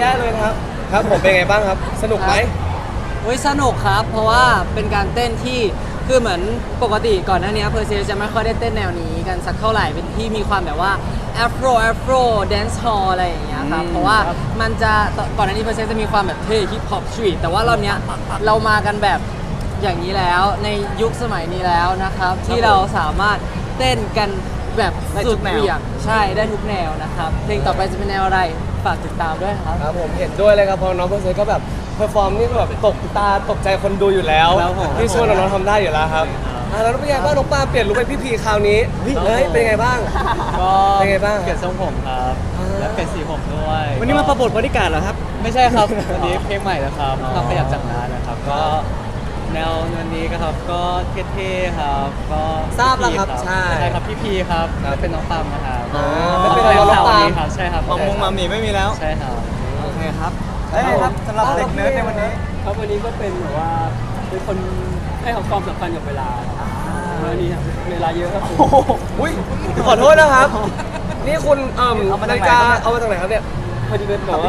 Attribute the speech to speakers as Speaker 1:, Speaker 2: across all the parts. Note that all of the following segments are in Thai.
Speaker 1: ได้เลยครับครับผมเป็นไงบ้างครับสนุกไหม
Speaker 2: สนุกครับเพราะว่าเป็นการเต้นที่คือเหมือนปกติก่อนหน้านี้เพอร์เซจะไม่ค่อยได้เต้นแนวนี้กันสักเท่าไหร่เป็นที่มีความแบบว่าแอฟโรแดนซ์ฮอลอะไรอย่างเงี้ยครับเพราะว่ามันจะก่อนหน้านี้เพอร์เซจะมีความแบบเท่ฮิปฮอปสตรีทแต่ว่ารอบเนี้ยเรามากันแบบอย่างนี้แล้วในยุคสมัยนี้แล้วนะครับที่เราสามารถเต้นกันแบบสุดเหวี่ยงใช่ได้ทุกแนวนะครับเพลงต่อไปจะเป็นแนวอะไรฝากติดตามด้วยครับ
Speaker 1: ครับผมเห็นด้วยเลยครับเพราะน้องเพอร์เซก็แบบเพอร์ฟอร์มนี่แบบตกตาตกใจคนดูอยู่แล้ว
Speaker 2: ครับผม
Speaker 1: ที่ช่วยน้องๆทำได้อยู่แล้วครับแล้วเป็นไงบ้างน้องปาเปลี่ยนลุคเป็นพี่พีคราวนี้เฮ้ยเป็นไงบ้าง
Speaker 3: ก็
Speaker 1: เป็นไงบ้าง
Speaker 3: เปลี่ยนทรงผมครับ และเปลี่ยนสีผมด้วย
Speaker 4: วันนี้มาประบทบริการเหรอครับ
Speaker 3: ไม่ใช่ครับ วันนี้เพลงใหม่แล้วครับทำขยับจากน้านะครับ ก็แนววันนี้ก็ครับก็เท่ๆครับก็
Speaker 1: ทราบแล้วครับ
Speaker 3: พี่
Speaker 1: ใช่
Speaker 3: ครับพี่พีครับและเป็นน้องปามนะครับ
Speaker 1: อ๋อไม่เป็นไรน้องปาล์ม
Speaker 3: ครับใช่ครับ
Speaker 4: มัมมงมัมหมี่ไม่มีแล้ว
Speaker 3: ใช่ครับ
Speaker 4: โอเคครับได้ครับสำหรับเด็กเนิร์ดในวันนี้
Speaker 5: ครับวันนี้ก็เป็นแบบว่าเป็นคนให้ความสำคัญกับเวลาวันนี้เวลาเยอะครับผม
Speaker 1: อุ้ยขอโทษนะครับ นี่คุณนาฬิกาเอามาจากไหนครับเนี่ย
Speaker 5: พอดีเป็นแบบว่า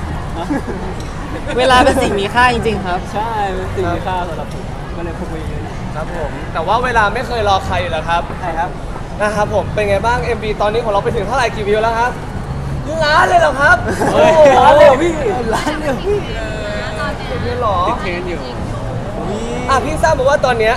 Speaker 2: เวลาเป็นสิ่งมีค่าจริงๆครับ
Speaker 5: ใช่เป็นสิ่งมีค่าสำหรับผมก็เลยพกไว้เยอะนะครับ
Speaker 1: ผมแต่ว่าเวลาไม่เคยรอใครอยู่แล้วครับ
Speaker 4: ใช่ครับ
Speaker 1: นะครับผมเป็นไงบ้าง MV ตอนนี้ของเราไปถึงเท่าไหร่กี่วิวแล้วครับล้านเลยเหรอครับ
Speaker 3: เฮ้ย
Speaker 1: ล้านเลยเหรอพี่
Speaker 4: ร้านเดียวพี่
Speaker 1: พี่หรอ
Speaker 3: ติดเทรนด์อยู่
Speaker 1: พี่ทราบมาว่าตอนเนี้ย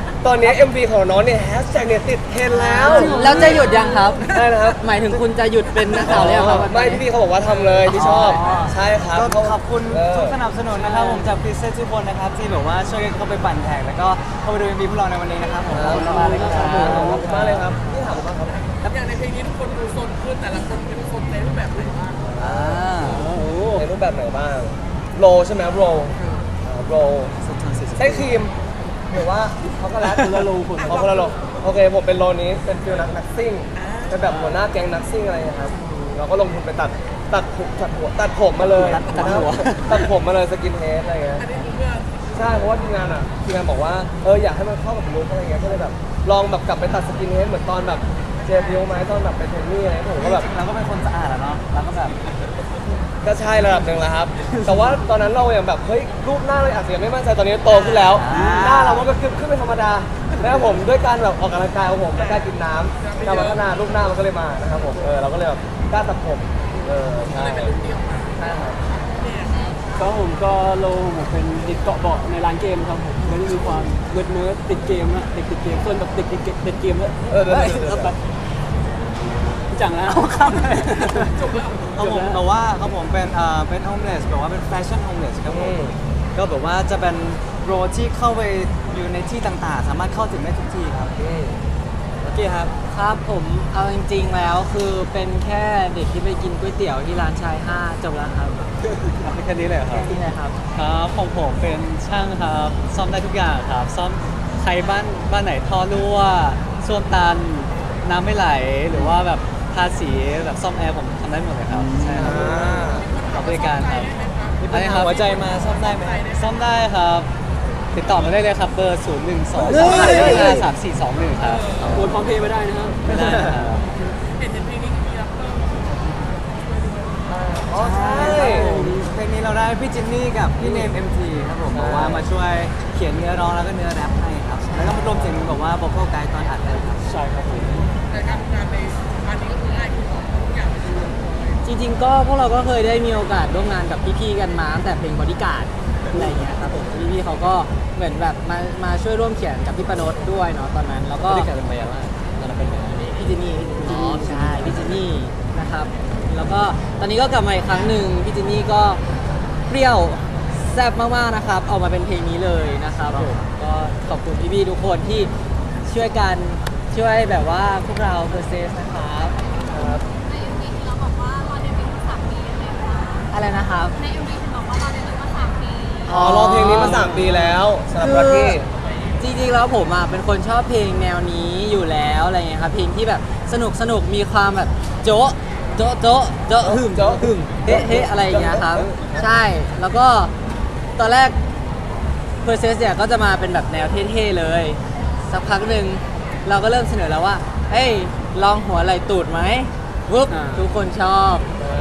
Speaker 1: MV ของน้องเนี่ยแฮชแท็กเนี่ยติดเทรนด์แล้ว
Speaker 2: แล้วจะหยุดยังครับ
Speaker 1: ได้นะครับ
Speaker 2: หมายถึงคุณจะหยุดเป็นนักข่าวแล้วครับ
Speaker 1: ไม่พี่เขาบอกว่าทำเลยที่ชอบ ใช่ครับ
Speaker 4: ก็ขอบคุณ
Speaker 1: เออ
Speaker 4: ทุกสนับสนุนนะครับผมจากพิเศษทุกคนนะครับที่แบบว่าช่วยกันเข้าไปปั่นแท็กแล้วก็เข้าไปดู MV พวกเราในวันนี้นะครับผมขอบคุณมากเลยครับ
Speaker 1: ขอบคุณมากเลยครับพี่ถามมาครับ
Speaker 6: อย่างในเพลงนี้ทุกคนดูโซนขึ้นแต่ละคนเป็นโซนในรูปแบบไหนบ้าง
Speaker 1: ในรูปแบบไหนบ้างโรใช่ไหมโรโรใช้ครีมหรือว่าช็อกโกแลต
Speaker 5: คนละโลคน
Speaker 1: คนละโรโอเคผมเป็นโรนี้เป็นฟิลนักซิ่งเป็นแบบหัวหน้าแก๊งนักซิ่งอะไรนะครับเราก็ลงทุนไปตัดผมมาเลยตัดผมมาเลยสกินเฮดอะไรเงี้ย
Speaker 6: อันนี้คือเพื่อ
Speaker 1: ใช่เพราะว่าทีมงานบอกว่าอยากให้มันเข้ากับลุคอะไรเงี้ยก็เลยแบบลองแบบกลับไปตัดสกินเฮดเหมือนตอนแบบเจฟิวไหมตอนแบบไปเทนนี่อะไรผมก็แบบ
Speaker 4: เราก็เป็นคนสะอาดอะเนาะเราก็แบบ
Speaker 1: ก็ใช่ระดับหนึ่งแล้วครับ แต่ว่าตอนนั้นเราอย่างแบบเฮ้ยรูปหน้าเราอาจจะยังไม่มั่นใจตอนนี้โตขึ้นแล้ว หน้าเรามันก็ขึ้นเป็นธรรมดาแล้วผมด้วยการแบบออกกำลังกายของผมและการกินน้ำการพัฒนารูปหน้ามันก็เลยมานะครับผมเราก็เลยแบบกล้าตัดผมใช่ใช่ครับ
Speaker 5: ก็ผมก็โลผมเป็นเด็กเกาะเบาะในร้านเกมครับผมก็จะมีความเนิร์ดติดเกมนะเด็กติดเกมส่วนแบบเด็กติดเกมแล้ว
Speaker 1: เดี๋ยว
Speaker 5: แบบจังแล้วครับ
Speaker 4: เขาผมแบบว่าเขาผมเป็นโฮมเลสแบบว่าเป็นแฟชั่นโฮมเลสครับผมก็แบบว่าจะเป็นโรที่เข้าไปอยู่ในที่ต่างๆ สามารถเข้าถึงได้ทุกที่ครับโอเคครับ
Speaker 2: ครับผมเอาจริงๆแล้วคือเป็นแค่เด็กที่ไปกินก๋วยเตี๋ยวที่ร้านชาย5จบแล้วครับ
Speaker 3: แค่นี้เลยเหรอครับ
Speaker 2: ที่ไหนครับ
Speaker 3: ครับของผมเป็นช่างครับซ่อมได้ทุกอย่างครับซ่อมใครบ้านไหนท่อรั่วส้วมตันน้ำไม่ไหลหรือว่าแบบทาสีแบบซ่อมแอร์ผมทำได้หมดเลยครับใช่ครับขอบริการครับอันนี้ครับ
Speaker 4: หัวใจมาซ่อมได้ไหม
Speaker 3: ซ่อมได้ครับ ติดต่อมาได้เลยครับเบอร์ 0 1 2 2 5 3 4 2 1 ครับ
Speaker 5: โอนพร้อมเพย์ไม่ได้นะครับ
Speaker 3: ได้ครับ
Speaker 6: เห็นเพลงนี้มีรับเพิ่ม
Speaker 1: อ๋อใช่
Speaker 4: เพลงนี้เราได้พี่จินนี่กับพี่เนม MT ครับผมบอกว่ามาช่วยเขียนเนื้อร้องแล้วก็เนื้อแรปให้ครับ แล้วก็มารวมถึงบอกว่าบอกพวกไกด์ตอนอัดเลยครับ
Speaker 5: ใช่ครับผม
Speaker 6: แต่การทำงานในพาร์ทนี้ก็คือง่ายขึ้นทุกอย่างเลย
Speaker 2: จริงๆก็พวกเราก็เคยได้มีโอกาสร่วมงานกับพี่ๆกันมาตั้งแต่เพลงบอดี้การ์ดอะไรอย่างเงี้ยครับผมพี่ๆเขาก็เหมือนแบบมาช่วยร่วมเขียนกับพี่ปนดด้วยเนาะตอนนั้นแล้วก็
Speaker 3: บริการเป็นไปยังไงตอนนั้นเป็นยังไง
Speaker 2: พี่เจนนี่ใช่พี่เจนนี่นะครับแล้วก็ตอนนี้ก็กลับมาอีกครั้งหนึ่งพี่เจนนี่ก็เปรี้ยวแซ่บมากๆนะครับออกมาเป็นเพลงนี้เลยนะครับผมก็ขอบคุณพี่ๆทุกคนที่ช่วยกันช่วยแบบว่าพวกเราเพอร์เซสนะครับ
Speaker 7: ใน MV ที่เราบอกว่ารอเดบิวต์มา3 ปีใช่ไหมคะ
Speaker 2: อะไรนะครับ
Speaker 7: ใน MV ที่บอกว่ารอเดบิวต์มา3 ปี
Speaker 1: รอเพลงนี้มา3 ปีแล้วสำหรับรักกี้
Speaker 2: จริงๆแล้วผมอ่ะเป็นคนชอบเพลงแนวนี้อยู่แล้วอะไรเงี้ยครับเพลงที่แบบสนุกมีความแบบโจ๊ะโจ๊ะโจ๊ะโจ๊ะหึม
Speaker 1: โจ๊ะ
Speaker 2: หึมเฮ้เฮ้อะไรอย่างเงี้ยครับใช่แล้วก็ตอนแรกเพอร์เซสเนี่ยก็จะมาเป็นแบบแนวเท่ๆเลยสักพักหนึ่งเราก็เริ่มเสนอแล้วว่าเฮ้ยลองหัวไหล่ตูดไหมปุ๊บทุกคนชอบสัก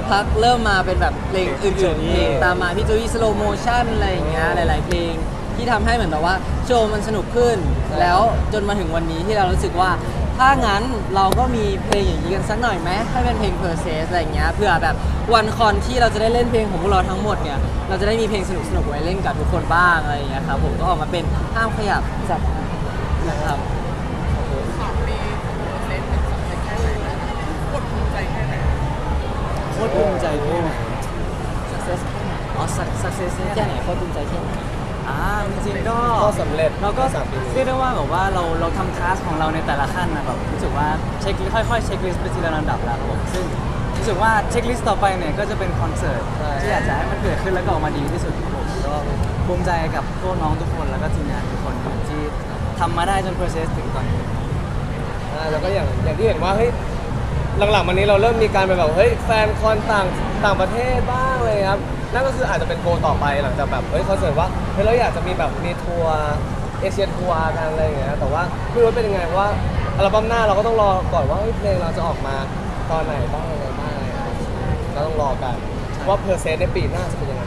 Speaker 2: พักเริ่มมาเป็นแบบเพลงอื่นๆเพลงตามมาพี่โจอี้สโลโมชั่นอะไรอย่างเงี้ยหลาย ๆ เพลงที่ทำให้เหมือนแบบว่าโชว์มันสนุกขึ้น แล้วจนมาถึงวันนี้ที่เรารู้สึกว่า ถ้างั้นเราก็มีเพลงอย่างนี้กันสักหน่อยไหมให้เป็นเพลง per se อะไรอย่างเงี้ยเพื่อแบบวันคอนที่เราจะได้เล่นเพลงของพวกเราทั้งหมดเนี่ยเราจะได้มีเพลงสนุกๆไว้เล่นกับทุกคนบ้างอะไรอย่างเงี้ยครับผมก็ออกมาเป็นห้ามขยับสับนะครับ
Speaker 6: 3 ปีเซนเป็นสำเร็จแค่ไหนนะโคตรภูมิใจแค่ไหน
Speaker 3: โคตรภูมิใจแค่ไหน
Speaker 2: success
Speaker 3: อ๋อ success
Speaker 2: แค่ไหนโคตรภูมิใจแค่ไหน
Speaker 3: จริงๆก็
Speaker 1: ก็สำเร็จ
Speaker 3: เราก็
Speaker 1: 3 ปีนี้
Speaker 3: เรียกได้ว่าแบบว่าเราทำคลาสของเราในแต่ละขั้นนะแบบรู้สึกว่าเช็คค่อยๆเช็คลิสต์ไปทีละลำดับแล้วครับผมซึ่งรู้สึกว่าเช็คลิสต์ต่อไปเนี่ยก็จะเป็นคอนเสิร์ต
Speaker 1: ใช่
Speaker 3: ที่อยากจะให้มันเกิดขึ้นแล้วก็ออกมาดีที่สุดครับผมก็ภูมิใจกับพวกน้องทุกคนแล้วก็ทีมงานทุกคนที่ทำมาได้จน process ถึงตอนนี้
Speaker 1: แล้วก็อย่างที่เห็นว่าเฮ้ยหลังๆมานี้เราเริ่มมีการไปแบบเฮ้ยแฟนคอนต่างประเทศบ้างเลยครับนั่นก็คืออาจจะเป็นโกลต่อไปหลังจากแบบเฮ้ยคอนเสิร์ตว่าเฮ้ยเราอยากจะมีแบบมีทัวร์เอเชียทัวร์กันอะไรอย่างเงี้ยแต่ว่าไม่รู้ว่าเป็นยังไงเพราะว่าอัลบั้มหน้าเราก็ต้องรอก่อนว่าเฮ้ยเพลงเราจะออกมาตอนไหนบ้างอะไรบ้างก็ต้องรอกันว่าเพอร์เซนต์ในปีหน้าจะเป็นยังไง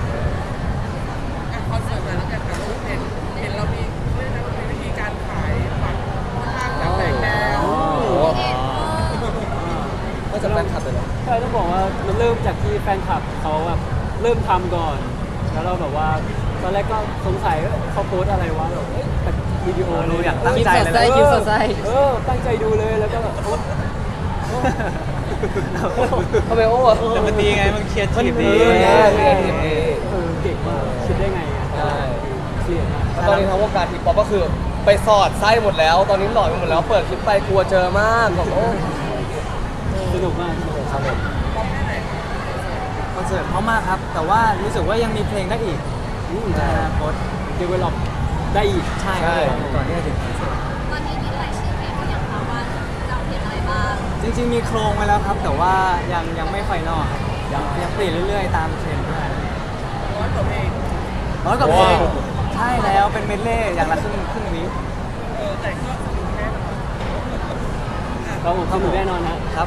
Speaker 6: คอนเสิร์ตแต่ละกันแต่ละเห็นเรามีเรื่องนั้นมีวิธีการขายบัตรค่อนข้างจะแพงแล้ว
Speaker 1: ก็จะแฟนคลับเลยนะ
Speaker 5: ใช่ต้องบอกว่ามันเริ่มจากที่แฟนคลับเขาแบบเริ่มทำก่อน แล้วเราแบบว่าตอนแรกก็สงสัยว่าเขาโพสต์อะไรวะแบบเอ๊ะแต่วิดีโอ
Speaker 3: เรา
Speaker 5: เลย
Speaker 3: อยากตั้งใจเลย
Speaker 2: คลิปสดใส คลิปสดใส
Speaker 5: ตั้งใจดูเลยแล้วก็แบบโพสต์
Speaker 1: ทำไมโอ้
Speaker 3: แต่มันดีไงมันเครียดทีฟดี
Speaker 5: เก่งมากคิดได้ไงอ่ะ
Speaker 1: ใช่
Speaker 5: เครียดมาก
Speaker 1: แล้วตอนนี้ทั้งวงการทีป๊อปก็คือไปสอดไส้หมดแล้ว ตอนนี้หลอนไปหมดแล้วเปิดคลิปไปกลัวเจอมากแบบโอ้
Speaker 5: สนุกมากสนุก
Speaker 1: ครับผม
Speaker 3: คอนเสิร์ตเพราะมากครับ แต่ว่ารู้สึกว่ายังมีเพลงได้อีกในอนาคต
Speaker 5: เดเวลลอปได้อีก
Speaker 3: ใช่ครับผมก่อนที่จะถึงคอนเสิร์ต
Speaker 7: ตอนนี้มีรายชื่อเพลงหรือยังคะว่าจะเอาเพลงอะไรบ้าง
Speaker 3: จริงๆมีโครงไว้แล้วครับ แต่ว่ายังไม่ไฟนอลครับยังเปลี่ยนเรื่อยๆ ตามเทรนด์ด้วย
Speaker 6: ร้อยกว่าเพลง
Speaker 3: ร้อยกว่าเพลงใช่แล้วเป็นเมดเล่อย่างละครึ่งวิ
Speaker 6: แต่ก็สนุกแน่นอน
Speaker 5: เราสนุกแน่นอนฮะ
Speaker 3: ครับ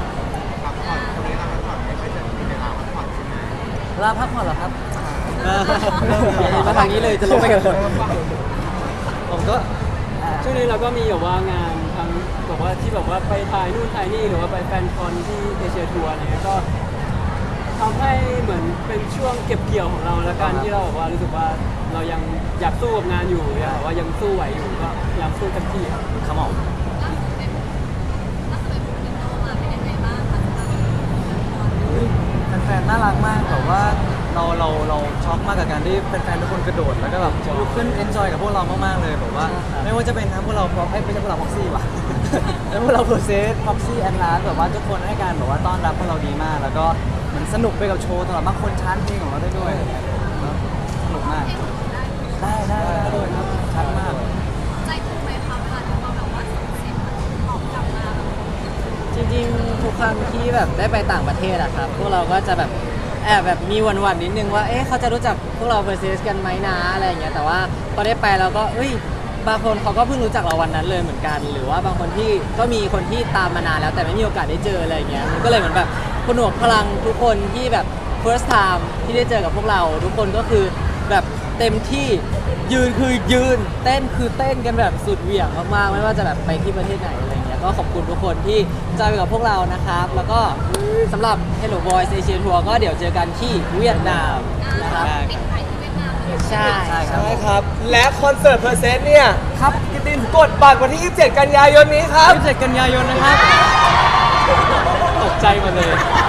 Speaker 3: ลาพักผ่อนเหรอครับ
Speaker 2: มาทางนี้เลยจะลงไปกันหมด
Speaker 3: ผมก็
Speaker 5: ช่วงนี้เราก็มีแบบว่างานทั้งแบบว่าที่แบบว่าไปถ่ายนู่นถ่ายนี่หรือว่าไปแฟนคอนที่เอเชียทัวร์อะไรเงี้ยก็ทำให้เหมือนเป็นช่วงเก็บเกี่ยวของเราละกันที่เราแบบว่ารู้สึกว่าเรายังอยากสู้กับงานอยู่อยากแบบว่ายังสู้ไหวอยู่ก็พยายามสู้เต็มที่ครับ
Speaker 3: ขมอม
Speaker 7: ล่าสุดเป็นอินโนมาเป็นยังไงบ้างคะสำหรับละคร
Speaker 3: แฟนๆน่ารักมากแบบว่าเราช็อกมากกับการที่แฟนๆทุกคนกระโดดแล้วก็แบบลุกขึ้นเอนจอยกับพวกเรามากๆเลยแบบว่า ไม่ว่าจะเป็นทั้งพวกเราไม่ใช่พวกเราพ็อกซี่ว่ะ แล้วพวกเราโปรเซสพ็อกซี่แอนลาแบบว่าทุกคนให้การแบบว่าต้อนรับพวกเราดีมาก แล้วก็เหมันสนุกไปกับโชว์ตลอดบางคนชาร์จเพลงของเราได้ด้วยสนุกมากได้ด้วยครับชัดมาก
Speaker 7: ใจฟูไหมคะเวลาที่เราแบบว่าส่งเสียงตอบกลับมาแบบ
Speaker 2: จริงๆทุกครั้งที่แบบได้ไปต่างประเทศอะครับพวกเราก็จะแบบแอบแบบมีหวั่นๆนิดนึงว่าเอ๊ะเขาจะรู้จักพวกเราเ e อร์เซสกันไหมนะอะไรอย่างเงี้ยแต่ว่าพอได้ไปเราก็บางคนเขาก็เพิ่งรู้จักเราวันนั้นเลยเหมือนกัน หรือว่าบางคนที่ก็มีคนที่ตามมานานแล้วแต่ไม่มีโอกาสได้เจออะไรอย่างเงี้ยมันก็เลยเหมือนแบบผนวกพลังทุกคนที่แบบ first time ที่ได้เจอกับพวกเรา ทุกคนก็คือแบบเต็มที่ยืนคือยืนเต้นคือเต้นกันแบบสุดเหวี่ยงมากๆไม่ว่าจะแบบไปที่ประเทศไหนอะไรอย่างเงี้ยก็ขอบคุณทุกคนที่จอยไปกับพวกเรานะครับแล้วก็สำหรับ Hello Boys Asia Tour ก็เดี๋ยวเจอกันที่เวียดนามนะครับ
Speaker 7: ปิดขายที่เวียดนามเลย
Speaker 2: ใช่
Speaker 3: ใช่ครับ
Speaker 1: ใช่ครับ และคอนเสิร์ตเพอร์เซนต์เนี่ย
Speaker 3: ครับกิตติน
Speaker 1: กดบัตรวันที่ 27 กันยายนนี้ครับ
Speaker 3: 27 กันยายนนะครับ
Speaker 5: ตกใจหมดเลย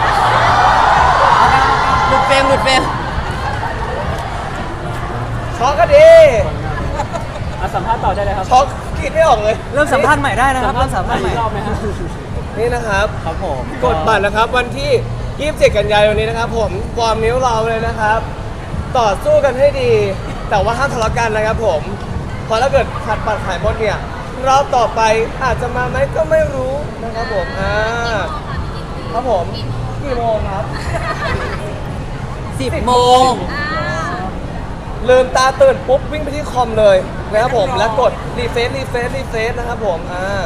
Speaker 2: หลุดเฟรม
Speaker 1: ช็อกก็ดี
Speaker 5: สัมภาษณ์ต่อได้เลยครับ
Speaker 1: ช็อกคิดไม่ออกเลย
Speaker 3: เริ่มสัมภาษณ์ใหม่ได้นะครับเริ่มสัมภาษณ์ใหม่
Speaker 5: อีกรอบไหมฮะ
Speaker 1: นี่นะครับ
Speaker 3: ครับผม
Speaker 1: กดบัตรนะครับวันที่ 27 กันยายนนี้นะครับผมวอร์มนิ้วเราเลยนะครับ ต่อสู้กันให้ดี แต่ว่าห้ามทะเลาะกันนะครับผมเพราะถ้าเกิดขัดบัตรขายหมดเนี่ยรอบต่อไปอาจจะมาไหมก็ไม่รู้นะครับผมครับผมกี่โมงครับ
Speaker 2: 10 โมง
Speaker 1: ลืมตาตื่นปุ๊บวิ่งไปที่คอมเลยนะครับผมแล้วกดรีเฟซนะครับผม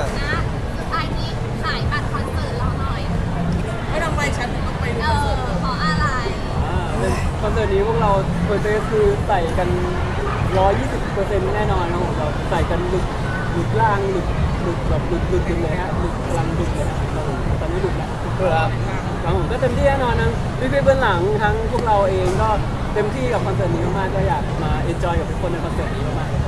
Speaker 7: สุดท้ายนี้ขายบัตรคอนเสิร์ตเราหน่อย
Speaker 6: ไม่ต้องไปฉันต้องไป
Speaker 7: เอ
Speaker 6: คอนเสิร์ต
Speaker 7: ขอ
Speaker 5: อนเสิร์ตนี้พวกเราเพอร์เซสคือใส่กัน 120%แน่นอนครับผมเราใส่กันหลุดล่างหลุดแบบหลุดเลยฮะหลุดพลังหลุดเลยครับผมตอนนี้หลุดแล้ว
Speaker 1: ครับ
Speaker 5: ครับผมก็เต็มที่แน่นอนทั้งพี่ๆเบื้องหลังทั้งพวกเราเองก็เต็มที่กับคอนเสิร์ตนี้มากๆก็อยากมาเอนจอยกับทุกคนในคอนเสิร์ตนี้มากๆ